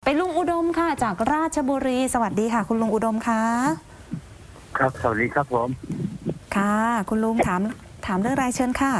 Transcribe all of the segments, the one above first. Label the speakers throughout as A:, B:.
A: ลุงอุดมค่ะจากราชบุรีสวัสดีค่ะคุณลุงอุดมคะ
B: ครับสวัสดีครับผม
A: ค่ะคุณลุงถามเรื่องรายเชิญค่ะ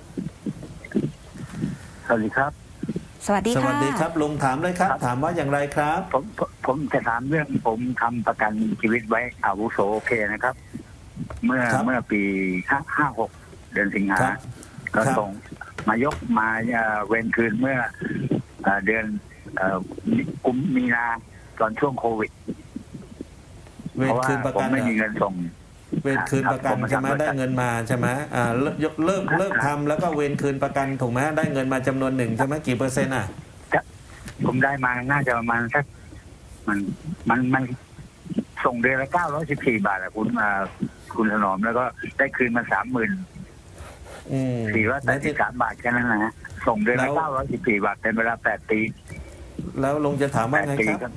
B: สวัสดีครับ
A: สวัสดีค่ะ
C: สวัสดีครับลุงถามเลยครับถามว่าอย่างไรครับ
B: ผมจะถามเรื่องผมทำประกันชีวิตไว้อาวุโสโอเคนะครับ เมื่อปี56เดือนสิงหาก็ส่งมายกมาเว้นคืนเมื่อเดือนกุมมีนาตอนช่วงโควิด
C: เวรคืนประกัน
B: ไม่มีเงินส่ง
C: เวรคืนประกันใช่ไหมได้เงินมาใช่ไหมเลิกทำแล้วก็เวรคืนประกันถูกไหมได้เงินมาจำนวนหนึ่งใช่ไหมกี่เปอร์เซ็นต์
B: ผมได้มาน่าจะประมาณสักมันส่งเดือนละ914 บาทอะคุณถนอมแล้วก็ได้คืนมา30,483 บาทแค่นั้นนะฮะส่งเดือนละ914 บาทเป็นเวลา8 ปี
C: แล้วลุงจะถามว่าไงครับ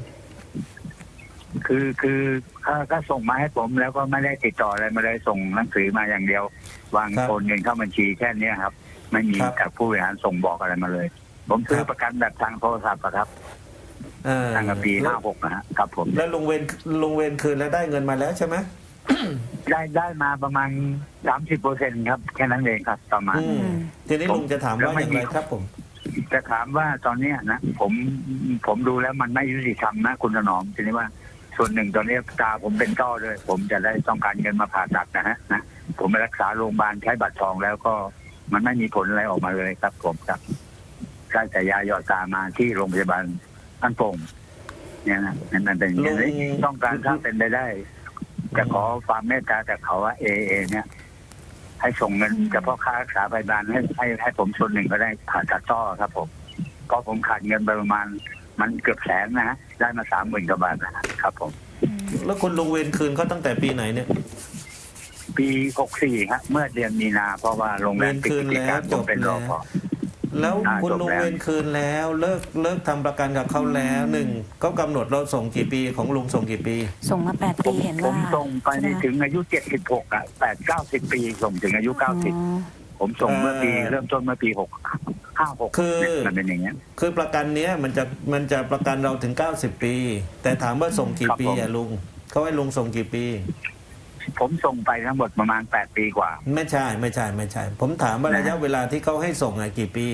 B: คือก็ส่งมาให้ผมแล้วก็ไม่ได้ติดต่ออะไรมาเลยส่งหนังสือมาอย่างเดียววางโอนเงินเข้าบัญชีแค่นี้ครับไม่มีจากผู้บริหารส่งบอกอะไรมาเลยผมซื้อประกันแบบทางโทรศัพท์ครับตั้งแต่ปี56นะฮะครับผม
C: แล้วลุงเวนคืนแล้วได้เงินมาแล้วใช่ไหม
B: ได้มาประมาณ30%ครับแค่นั้นเองครับประมาณ
C: ทีนี้ลุงจะถามว่าอย่างไรครับผม
B: จะถามว่าตอนนี้นะผมดูแล้วมันไม่ยุติธรรมนะคุณถนอมทีนี้ว่าส่วนหนึ่งตอนนี้ตาผมเป็นต้อเลยผมจะได้ต้องการเงินมาผ่าตัดนะผมไปรักษาโรงพยาบาลใช้บัตรทองแล้วก็มันไม่มีผลอะไรออกมาเลยครับผมครับได้แต่ยาหยอดตามาที่โรงพยาบาลอันโป่งเนี่ยนะนั่นเป็นอย่างนี้ต้องการถ้าเป็นไปได้จะขอความเมตตาจากเขาว่าเนี่ยให้ส่งเงินเฉพาะค่ารักษาพยาบาลให้ผมส่วนหนึ่งก็ได้ผ่าตัดต้อครับผมเพราะผมขาดเงินไปประมาณมันเกือบ100,000นะฮะได้มา30,000 กว่าบาทนะครับผม
C: แล้วคุณลุงเวรคืนเขาตั้งแต่ปีไหนเนี่ย
B: ปี64ครับเมื่อเดือนมีนาเพราะว่าโรงแรมปิดกิจการจบเป็นรปภ
C: แล้วคุณลุงเวรคืนแล้วเลิกทำประกันกับเขาแล้วหนึ่งก็กำหนดเราส่งกี่ปีของลุงส่งกี่ปี
A: ส่งมา8 ปีเห็นว่า
B: ผมส่งไปถึงอายุ768-90 ปีส่งถึงอายุ90ผมส่งเมื่อปีเริ่มต้นเมื่อปี56
C: คือ
B: มันเป็นอย่างเงี้ย
C: คือประกันเนี้ยมันจะประกันเราถึง90 ปีแต่ถามว่าส่งกี่ปีอะลุงเขาให้ลุงส่งกี่ปี
B: ผมส่งไปทั้งหมดประมาณ8 ปีกว่า
C: ไม่ใช่ผมถามว่าระยะเวลาที่เขาให้ส่งกี่ปี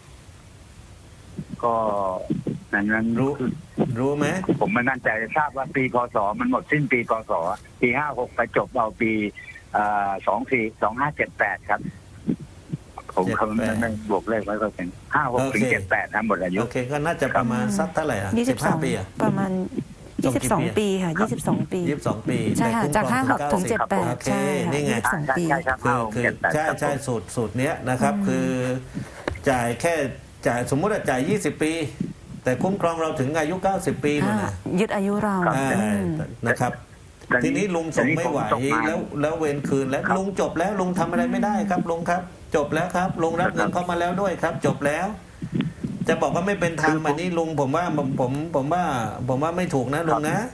B: ก็นั้น
C: รู้ไหม
B: ผมไม่มั่นใจทราบว่าปีพศมันหมดสิ้นปีพศปี56ไปจบเอาปี2578ครับผมคำนั้นบวกเลขไว้ก็เป็น56ถึง78นะหมดอายุ
C: โอเคก็น่าจะประมาณสักเท่าไหร่15 ปี
A: ประมาณ22 ปีค่ะ22 ปีใช่ค่ะจาก56ถึง78ใช่
C: นี่ไง
A: 22 ปี
C: คือใช่สูตรเนี้ยนะครับคือจ่ายสมมติว่าจ่าย20 ปีแต่คุ้มครองเราถึงอายุ90 ปีนู่นนะ
A: ยึดอายุเรา
C: นะครับทีนี้ลุงส่งไม่ไหวแล้วเวรคืนแล้วลุงจบแล้วลุงทำอะไรไม่ได้ครับลุงครับจบแล้วครับลุงรับเงินเข้ามาแล้วด้วยครับจบแล้วจะบอกว่าไม่เป็นธรรมอันนี้ลุงผมว่าไม่ถูกนะลุงนะ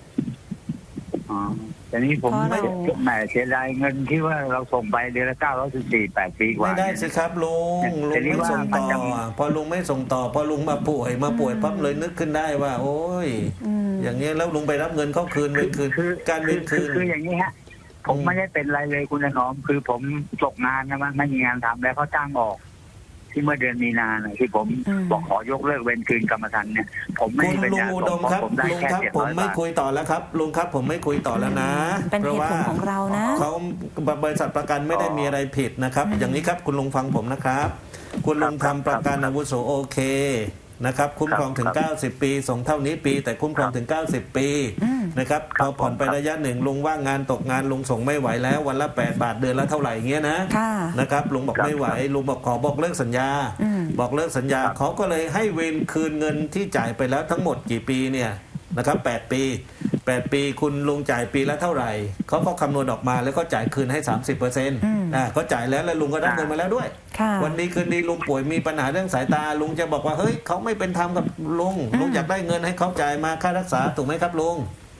B: แต่นี้ผมไม่แหมเสียดายเงินที่ว่าเราส่งไปเดือนละ914 8 ปีกว่า
C: ไม่ได้สิครับลุงไม่ส่งต่อพอลุงไม่ส่งต่อพอลุงมาป่วยปั๊บเลยนึกขึ้นได้ว่าโอ้ยอย่างเงี้ยแล้วลุงไปรับเงินเขาคืนการเวรคืน
B: คืออย่างนี้ฮะผมไม่ได้เป็นไรเลยคุณถนอมคือผมตกงานนะไม่มีงานทำแล้วเขาจ้างออกที่เมื่อเดือนมีนาที่ผมบอกขอยกเลิกเวรคืนกรรมธรรม์เนี่ยผมไม่
C: เป็นลุงอุดมครับลุงครับผมไม่คุยต่อแล้วครับลุงครับผมไม่คุยต่อแล้วนะ
A: เพราะว่าของเรานะ
C: เขาบริษัทประกันไม่ได้มีอะไรผิดนะครับอย่างนี้ครับคุณลุงฟังผมนะครับคุณลุงทำประกันอาวุโสโอเคนะครับคุ้มครองถึง90 ปีส่งเท่านี้ปีแต่คุ้มครองถึง90 ปีนะครับพอผ่อนไประยะหนึ่งลุงว่างงานตกงานลุงส่งไม่ไหวแล้ววันละ8 บาทเดือนละเท่าไหร่เงี้ยนะครับลุงบอกไม่ไหวลุงบอกขอบอกเลิกสัญญาบอกเลิกสัญญาเขาก็เลยให้เวรคืนเงินที่จ่ายไปแล้วทั้งหมดกี่ปีเนี่ยนะครับ8 ปีคุณลุงจ่ายปีละเท่าไหร่เขาก็คำนวณออกมาแล้วก็จ่ายคืนให้ 30%ก็จ่ายแล้วลุงก็ได้เงินมาแล้วด้วยวันนี้คืนดีลุงป่วยมีปัญหาเรื่องสายตาลุงจะบอกว่าเฮ้ยเขาไม่เป็นธรรมกับลุงอยากได้เงินให้เขาจ่ายมาค่ารักษาถูกไหมครับลุง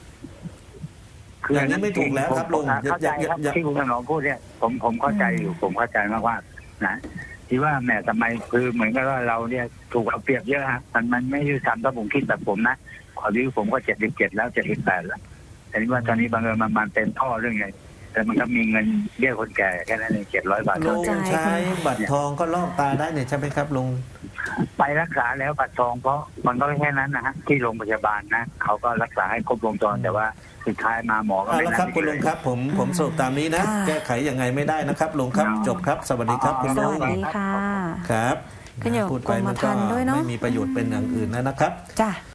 C: อย่างนี้ไม่ถูกแล้วครับลุง
B: เข้าใจครับที่คุณถนอมพูดเนี่ยผมเข้าใจอยู่ผมเข้าใจมากว่านะที่ว่าแหมทำไมคือเหมือนกับว่าเราเนี่ยถูกเอาเปรียบเยอะฮะมันไม่ยุติธรรมถ้าผมคิดแบบผมนะขออายุผมก็77แล้ว78แล้วแต่นี่ว่าตอนนี้บางเอิญมันเป็นท่อเรื่องไงแต่มันก็มีเงินเบี้ยคนแก่แค่นั้นเอง700 บาท
C: ลุงใช้บัตรทองก็ลอกตาได้เนี่ยใช่ไหมครับลุง
B: ไปรักษาแล้วบัตรทองเพราะมันก็แค่นั้นนะฮะที่โรงพยาบาลนะเขาก็รักษาให้ครบวงจรแต่ว่าสุดท้ายมาหมอก็
C: เอา
B: ไม่
C: ละ
B: นัด
C: ครับคุณลุงครับผมสรุปตามนี้นะ
A: ค่ะ
C: แก้ไขยังไงไม่ได้นะครับลุงครับจบครับสวัสดีครับคุณ
A: ส
C: ลุ
A: วั
C: ง
A: สดีค่ะ
C: ครับ
A: ขึ้นอยู่กับ
C: พูดไป
A: กรม
C: มัน
A: ธร
C: ก็
A: รม์ด้วยเนอะ
C: ไม่มีประโยชน์เป็นอย่างอื่นนะครับ
A: จ้ะ